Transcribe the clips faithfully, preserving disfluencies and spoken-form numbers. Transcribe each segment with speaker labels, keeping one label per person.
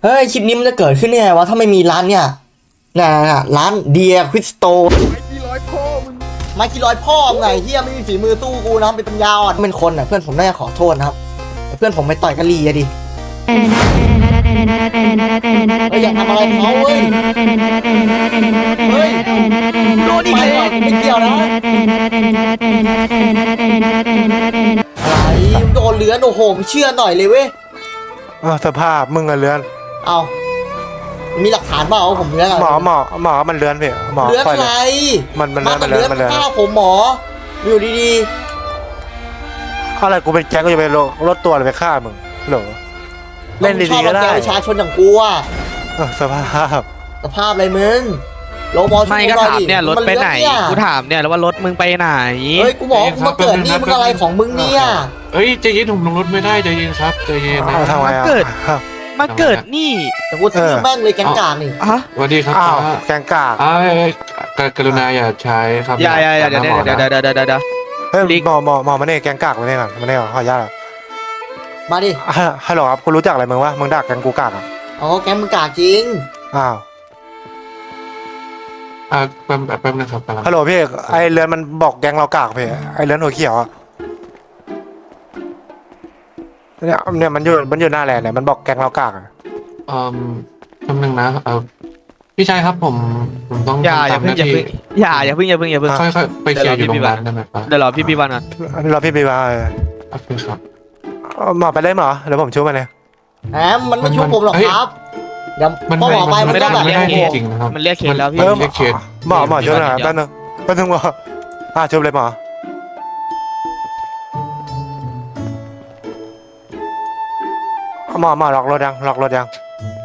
Speaker 1: เฮ้ยคลิปนี้มันจะเกิดขึ้นได้ไงวะถ้าไม่มีร้านเนี่ยน่ะร้านเดียควิสโตไม้กี่ร้อยพ่อมึงไม้กี่ร้อยพ่อมึงไงเฮียไม่มีฝีมือตู้กูนะเป็นปัญญาอ่อนเป็นคนอ่ะเพื่อนผมน่าจะขอโทษนะครับเพื่อนผมไปต่อยกะลีอะดิเฮ้ยอยากทำอะไรเขาเว้ยเฮ้ยโดนอีกแล้วไม่เกี่ยวนะอะไรโดนเลือนโอ้โหเชื่อหน่อยเลยเว้ย
Speaker 2: อ้าวสภาพมึงอะเลือน
Speaker 1: เอามีหลักฐานเปล่าผมเลือนอะไร
Speaker 2: หมอหมอหมอมันเลือนพี่หมอ
Speaker 1: เลือนอะไร
Speaker 2: มันมันเลือนมันเลือนมันเลือน
Speaker 1: ฆ่าผมหมออยู่ดี
Speaker 2: ๆอะไรกูเป็นแก๊งกูจะไปลดตัวหรือไปฆ่ามึงหรอเล่นดีๆก็ได้
Speaker 1: ประชาชนอย่างกูอ่ะ
Speaker 2: สภาพ
Speaker 1: สภาพอะไรมึงโลมอ
Speaker 3: ไม่ก็ถามเนี่ยรถไปไหนกูถามเนี่ยแล้วว่ารถมึงไปไหน
Speaker 1: เฮ้ยกูบอกกูมาเกิดนี่มึงอะไรของมึงเนี่ย
Speaker 4: เฮ้ยใจเย็นผมลงรถไม่ได้ใจเย็นครับใจเย็นนะ
Speaker 2: ทำไม
Speaker 3: เกิดมาเกิดนี่
Speaker 1: แต่กูซื้อแม่งเลยแกงกากนี่
Speaker 4: สวัสดีครับ
Speaker 2: อ้าวแกงกาก
Speaker 4: อ้าวกรุณาอย่าใช้ครับ
Speaker 3: อย่าอย่าอย่าเดี๋ยวเดี๋ยวเดี๋ยวเดี๋ยวเดี๋ยวเดี๋ยว
Speaker 2: เฮ้ยหมอหมอหมอมาเนี่ยแกงกากมาเนี่ยก่อนมาเนี่ยก่อนขออนุญาต
Speaker 1: มาดิ
Speaker 2: ฮัลโหลครับคุณรู้จักอะไรมึงวะมึงด่าแกงกูกากอ่ะ
Speaker 1: อ๋อแกงมึงกากจริง
Speaker 2: อ้าว
Speaker 4: อ่าแป๊บแป๊บนะครับ
Speaker 2: ฮัลโหลพี่ไอเรือนมันบอกแกงเรากากพี่ไอเรือนหัวเขียวอ่ะเนี่ยเนี่ยมันอยู่มันอยู่หน้าแลนด์เนี่ยมันบอกแกงเรากากอ่ะ
Speaker 4: อืมแป๊บนึงนะเออพี่ชายครับผมผมต้อง
Speaker 3: อย่าอย่าเพิ่งอย่าเพิ่งอย่าอย่าเพิ่งอย่าเพิ่งอย่าเพิ่ง
Speaker 4: ค่อยๆไปเคลียร์อยู่โรงพยาบาลได้ไหมปะ
Speaker 3: เดี๋ยวรอพี่พี่วันก่อน
Speaker 2: รอพี่พี่วัน
Speaker 4: โอเคครับ
Speaker 2: หมอไปเลยหมอเดี๋ยวผมช่วยมันเลย
Speaker 1: แหมมันไม่ช่วยผมหรอกครับเดี๋ยวพอหมอไปมันก็แบบ
Speaker 4: ไม่ได้จริงนะครับ
Speaker 3: มันเรียกเคสแล้วพี่
Speaker 4: เรียกเคส
Speaker 2: หมอหมอช่วยหน่อยแป๊บนึงแป๊บนึงหมออ่ะช่วยเลยหมอหมอหมอล็อกรถยังล็อกรถยัง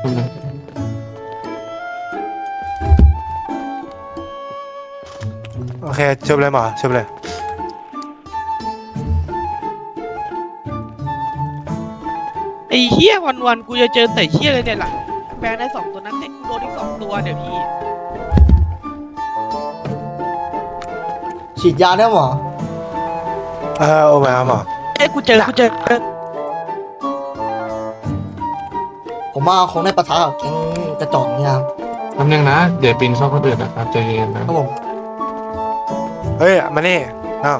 Speaker 2: โอเคช่วยเลยหมอช่วยเลย
Speaker 3: ไอ้เหี้ยวันวันกูจะเจอแต่เหี้ยเลยเนี่ยหลังแปลงได้สองตัวนั้นเด็กกูโดนอีกสองตัวเดี๋ยวพี่
Speaker 1: ฉีดยาได้หมอ
Speaker 2: เออโอ้ยหมอ
Speaker 3: เอ้กูเจอกูเจอ
Speaker 1: ผมว่าคงได้ประทะกับแก๊งกระจอกเนี่ยครับ
Speaker 4: แป๊บนึงนะเดี๋ยวปีนเข้าคนอื่นนะครับใจเย็นนะครับ
Speaker 1: ผม
Speaker 2: เฮ้ยมานี่น้อง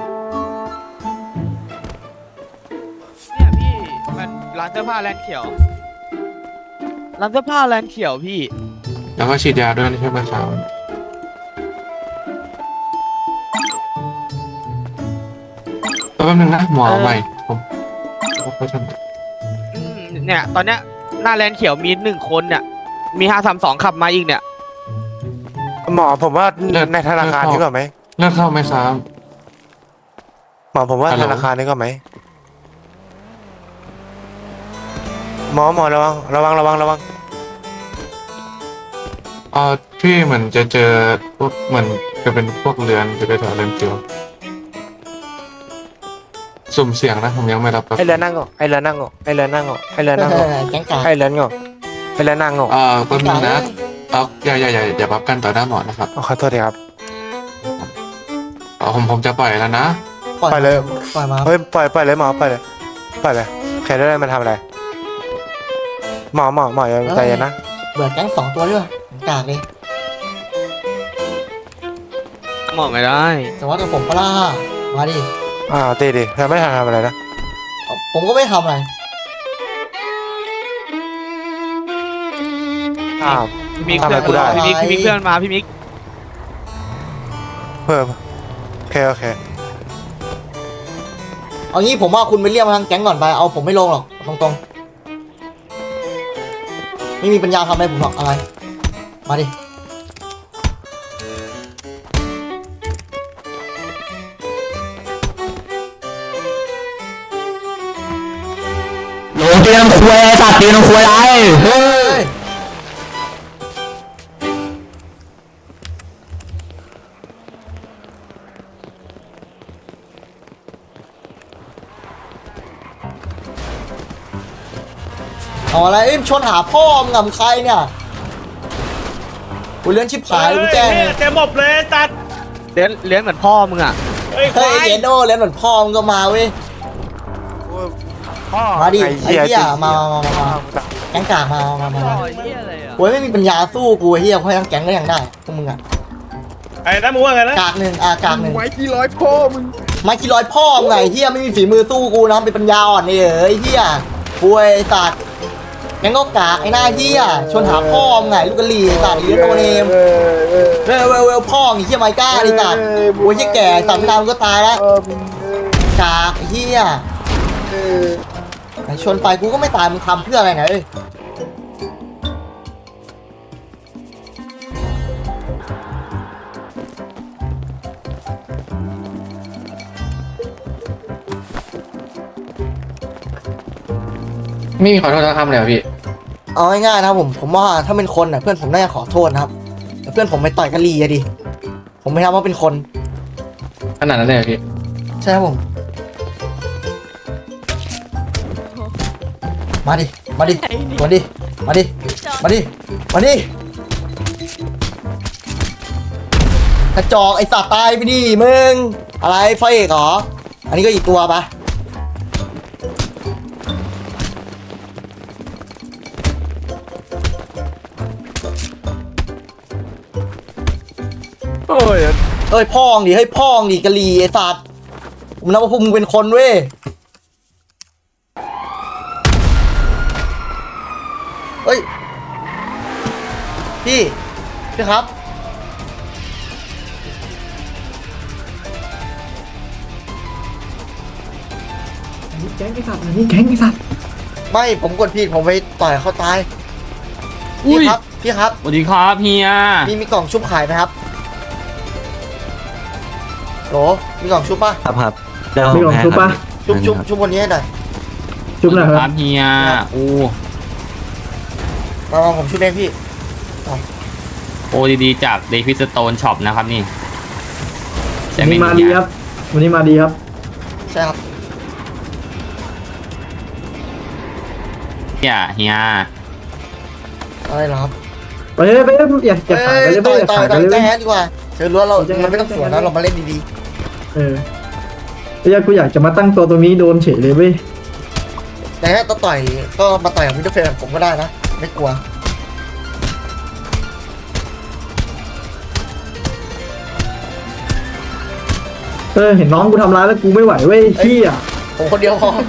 Speaker 3: เนี่ยพี่มันร้านเสื้อผ้าแลนด์เขียวร้านเสื้อผ้าแลนด์เขียวพี่
Speaker 4: แล้วก็ฉีดยาด้วยใช่ไหมครับแป๊บนึงนะหมอใหม่ผมผมไปทำ
Speaker 3: เนี่ยตอนเนี้ยหน้าแลนด์เขียวมีหนึ่งคนเนี่ยมีห้าสามสองขับมาอีกเนี่ย
Speaker 2: หมอผมว่าในธนาคารนี้ก่อนไหม
Speaker 4: เลิกเข้าไหมครับ
Speaker 2: หมอผมว่าธนาคารนี้ก่อนไหมหมอหมอระวังระวังระวังระวัง
Speaker 4: เออพี่เหมือนจะเจอพวกเหมือนจะเป็นพวกเรือนจะไปแถวเรือนเขียวสุ่มเสียงนะผมยังไม่รับ
Speaker 2: ไอเรือนนั่งก่อนไอเรือนนั่งก่อนไอเรือนนั่งก่อนไอเรือนนั่งก่อน
Speaker 1: แก๊งกาก
Speaker 2: ไอเรือนก่อนไอเรือนนั่งก่อน
Speaker 4: เออแป๊บนึงนะเอาอย่าอย่าอย่าอย่าบับกันต่อหน้าหมอนะครับ
Speaker 2: ขอโทษทีครับ
Speaker 4: อ๋อผมผมจะปล่อยแล้วนะ
Speaker 2: ปล่อยเลย
Speaker 1: ปล่อยมา
Speaker 2: เฮ้ยปล่อยปล่อยเลยหมอปล่อยเลยปล่อยเลยใครได้มันทำอะไรหมอหมอหมอใจเย็นนะ
Speaker 1: เบื่อแก๊งสองตัวด้วยกากเลย
Speaker 3: หมอไม่ได้
Speaker 1: แต่ว่าแต่ผมก็ล่ามาดิ
Speaker 2: อ่าตีดิแต่ไม่ทำอะไรนะ
Speaker 1: ผมก็ไม่ทำอะไร
Speaker 2: อ้าว
Speaker 3: พี่มิกเพื่อนกูได้พี่มิกพี่มิกเพื่อนมาพี่มิก
Speaker 2: เพิ่มโอเคโอเค
Speaker 1: เอางี้ผมว่าคุณไปเรียกมาทางแก๊งก่อนไปเอาผมไม่ลงหรอกตรงๆไม่มีปัญญาทำอะไรผมหรอกอะไรมาดิ
Speaker 5: ลงเตียงคุยสัตว์เตียงคุยอะไรเฮ้ย
Speaker 1: เอาอะไรชนหาพ่อมึงกับใครเนี่ยกูเลี้ยงชิบหายกูแจ้ง
Speaker 3: เต็มหมดเลยตัดเลี้ยงเลี้ยงเหมือนพ่อมึงอ่ะ
Speaker 1: เฮ้ยเจโน่เลี้ยงเหมือนพ่อมึงก็มาเว้ย
Speaker 2: พ่อ
Speaker 1: มาดิ
Speaker 2: ไอ้
Speaker 1: ไอ้
Speaker 2: เหี้ย
Speaker 1: เหี้ย
Speaker 2: จริง
Speaker 1: มามามามาแก๊งกากมามามา
Speaker 3: ต่
Speaker 1: มา
Speaker 3: อยเหี้ยอะไรอ่ะ
Speaker 1: โอ้ยไม่มีปัญญาสู้กูไอ้เหี้ยเพราะทั้งแก๊งก็ยังได้พวกมึงอะ
Speaker 6: ไอ้นั่นมึงว่าไงนะ
Speaker 1: กากหนึ่งอ่ะกากหนึ่ง
Speaker 6: ไม้กี่ร้อยพ่อมึง
Speaker 1: ไม้กี่ร้อยพ่อมึงไงเหี้ยไม่มีฝีมือสู้กูนะเป็นปัญญาอ่อนนี่เอ้ยเหี้ยป่วยสัตว์แก๊งก็กากไอ้หน้าเหี้ยชวนหาพ่อมึงไงลูกกะหรี่สัตว์เลี้ยงโตเนม
Speaker 6: เออเออ
Speaker 1: เวลเวลเวลพ่อมึงเหี้ยไม้กล้าดิสัตว์โอ้ยเหี้ยแก่สัตว์ไม่นานมึงก็ตายแล้ว
Speaker 6: เออมึง
Speaker 1: กากไอ้เหี้ย
Speaker 6: เออ
Speaker 1: ไหนชวนไปกูก็ไม่ตายมึงทำเพื่ออะไรเนี่ยเอ้ย
Speaker 4: ไม่มีขอโทษทั้งคำเลยเหรอพี่
Speaker 1: เอาง่ายๆนะครับผมผมว่าถ้าเป็นคนน่ะเพื่อนผมน่าจะขอโทษนะครับแต่เพื่อนผมไปต่อยกะหรี่อะดิผมไม่ทำว่าเป็นคน
Speaker 4: ขนาดนั้นเลยเหรอพี่
Speaker 1: ใช่ครับผม มาดิ มาดิ มาดิ มาดิ มาดิ มาดิกระจอกไอ้สัตว์ตายไปดิมึง อะไรไฟเอกเหรอ อันนี้ก็อีกตัวปะ
Speaker 2: โอ้ย
Speaker 1: เอ้ยพ่องดิ เฮ้ยพ่องดิกะหรี่ไอ้สัตว์ผมนับว่าพวกมึงเป็นคนเว้ย เฮ้ย พี่ พี่ครับ
Speaker 4: แก๊งไอ้สัตว์นี่แก๊งไอ้สัตว์
Speaker 1: ไม่ผมกดผิดผมไปต่อยเขาตาย
Speaker 5: อุ้
Speaker 1: พี่
Speaker 5: ย
Speaker 1: ครับ พี่ครับ
Speaker 5: สวัสดีครับเฮีย
Speaker 1: มีมีกล่องชุบขายไหมครับโหลมีกล่องชุบป่ะ
Speaker 7: ครับครับ
Speaker 4: มีของชุบปะ
Speaker 1: ชุบชุบชุบวันนี้ให้หน่อย
Speaker 4: ชุบหน่อย
Speaker 5: ค
Speaker 4: ค
Speaker 5: รั
Speaker 4: รั
Speaker 5: บบ เฮียโอ้
Speaker 1: มามาผมชุบเองพี่
Speaker 5: โอ้ดีๆจากเดฟิสโตนช็อปนะครับนี่ใช่
Speaker 4: วัน
Speaker 5: ไหม
Speaker 4: นี้มา
Speaker 5: เฮี
Speaker 4: ดี
Speaker 5: ย
Speaker 4: ครับ วันนี้มาดีครับ
Speaker 1: ใช่ครับ
Speaker 5: เฮียเฮีย
Speaker 1: อะไรเหรอครับ
Speaker 4: ไปเลยไปเลยอย่าอย่าขายไป
Speaker 1: เอ้ย
Speaker 4: เลย
Speaker 1: ต่อย
Speaker 4: อย่า
Speaker 1: ต่อ
Speaker 4: ขาย ยไป
Speaker 1: ต่อย
Speaker 4: เลย
Speaker 1: แจ้งแฮนดีกว่าเชิญรั้วเรา
Speaker 4: แจ้งแฮน
Speaker 1: เราไม่ต้องสวนนะเรามาเล่นดี
Speaker 4: เออไอ้ยากูอยากจะมาตั้งตัวตรงนี้โดนเฉยเลยเว้ย
Speaker 1: ๆแต่ถ้าต่อยก็มาต่อยกับมิดเดิลเฟนผมก็ได้นะไม่กลัว
Speaker 4: เออเห็นน้องกูทำร้ายแล้วกูไม่ไหวเว้ยเฮีย
Speaker 1: ผมคนเดียวพอ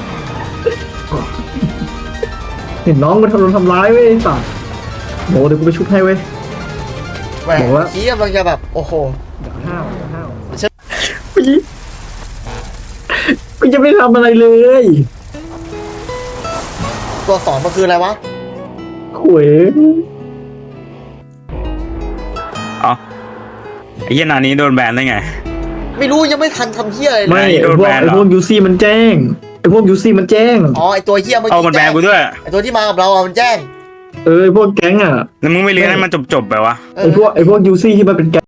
Speaker 4: เห็นน้องกูทำโดนทำร้ายเว้ยสัตว์โหเดี๋ยวกูไปชุบให้เว้ย
Speaker 1: แหม
Speaker 4: บอกว่า
Speaker 1: ขี้กำลังจะแบบโอ้โห
Speaker 4: อย่าห้าวอย่าห้าว
Speaker 1: เชิญ
Speaker 4: พี่พี่จะไม่ทำอะไรเลย
Speaker 1: ตัวสอนมันคืออะไรวะ
Speaker 4: ขวย
Speaker 6: ไอ้เหี้ยนานี้โดนแบนได้ไง
Speaker 1: ไม่รู้ยังไม่ทันทำเหี้ยอะไรเล
Speaker 4: ไม่
Speaker 1: ย
Speaker 4: ไอ
Speaker 6: โดน
Speaker 4: พว
Speaker 6: แบ
Speaker 4: ก
Speaker 6: น
Speaker 4: ไอ
Speaker 6: เหรอ
Speaker 4: พวกยูซี่มันแจ้งไอพวกยูซี่มันแจ้ง
Speaker 1: อ๋อไอตัวเหี้ยเมื่อ
Speaker 6: เอา
Speaker 1: กี้
Speaker 6: มันแบน
Speaker 1: แจ้ง
Speaker 6: กูด้วย
Speaker 1: ไอตัวที่มากับเราอะมันแจ้ง
Speaker 4: เออไอพวกแก๊งอ่ะ
Speaker 6: แล้วมึงไม่เลี้ยงให้มันจบๆไปวะ
Speaker 1: เอ
Speaker 4: ไอ
Speaker 1: อ
Speaker 4: พวกไอพวกยูซี่ที่มันเป็นแก๊ง